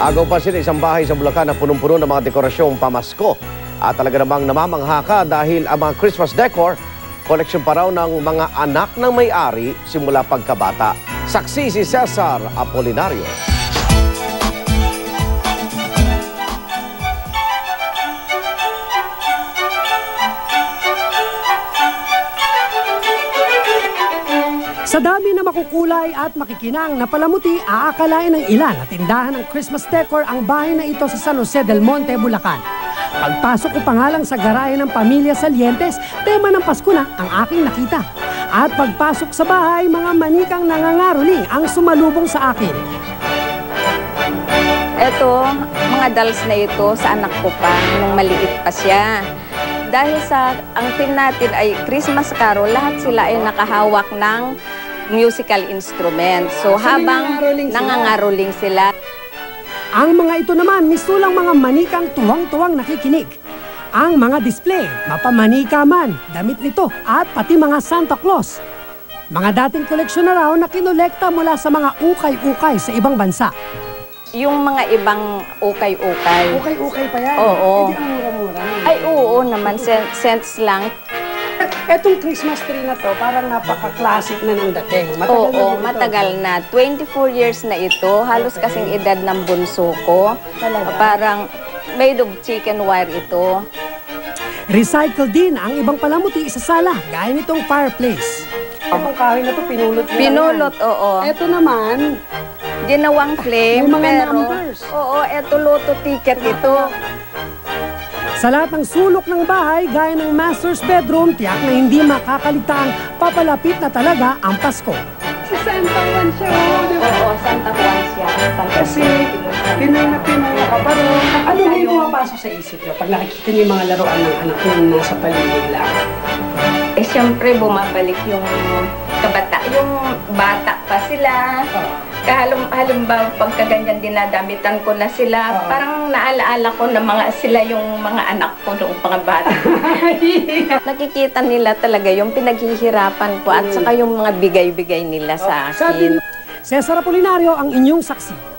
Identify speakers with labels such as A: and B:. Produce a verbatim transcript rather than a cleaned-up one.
A: Agaw pa sila isang bahay sa Bulacan na punong-puno ng mga dekorasyong pamasko. At talaga namang namamangha ka dahil ang mga Christmas decor, koleksyon pa raw ng mga anak ng may-ari simula pagkabata. Saksi si Cesar Apolinario.
B: Sa dami na makukulay at makikinang na palamuti, aakalain ng ilan na tindahan ng Christmas decor ang bahay na ito sa San Jose del Monte, Bulacan. Pagpasok ko pa nga lang sa garahe ng pamilya Salientes, tema ng Pasko na ang aking nakita. At pagpasok sa bahay, mga manikang nangangaroling ang sumalubong sa akin.
C: Eto, mga dolls na ito sa anak ko pa, nung maliit pa siya. Dahil sa, ang team natin ay Christmas Carol, lahat sila ay nakahawak ng musical instrument. So, so habang nangangaroling sila.
B: Ang mga ito naman, misulang mga manikang tuwang-tuwang nakikinig. Ang mga display, mapamanika man, damit nito, at pati mga Santa Claus. Mga dating koleksyon na raw na kinolekta mula sa mga ukay-ukay sa ibang bansa.
C: Yung mga ibang ukay-ukay.
B: Ukay-ukay pa yan?
C: Oo.
B: Hindi ang mura-mura.
C: Ay, oo naman. Cents lang.
B: Etong Christmas tree na to, parang napaka-classic na ng dating. Matagal
C: Oo,
B: na
C: matagal na. twenty-four years na ito. Halos
B: okay.
C: kasing edad ng bunso ko.
B: Talaga?
C: Parang made of chicken wire ito.
B: Recycle din ang ibang palamuti sa sala, gaya nitong fireplace. Itong kahoy na to, pinulot mo
C: Pinulot,
B: lang.
C: oo.
B: Ito naman,
C: Ginawang flame,
B: may mga
C: pero...
B: numbers.
C: Oo, eto loto ticket ito.
B: sa lahat ng sulok ng bahay, gaya ng master's bedroom, tiyak na hindi makakaligtaang papalapit na talaga ang Pasko.
D: Si Santa Juan siya, oh, di ba?
C: Oo, Santa Juan siya. Santa
D: Kasi Pinoy na Pinoy ka pa rin. Ano na yung pumapasok sa isip niyo pag nakikita niyo yung mga laruan ng anak niyo na nasa paligid lang?
C: Eh, siyempre, bumabalik yung kabata, yung bata pa sila.
D: Oh.
C: Kahalum, halimbawa, pagka ganyan dinadamitan ko na sila,
D: Oo.
C: parang naalaala ko na mga sila yung mga anak ko noong mga bata. Nakikita nila talaga yung pinaghihirapan ko at saka yung mga bigay-bigay nila sa
B: Sabi
C: akin.
B: niyo, Cesar Apolinario ang inyong saksi.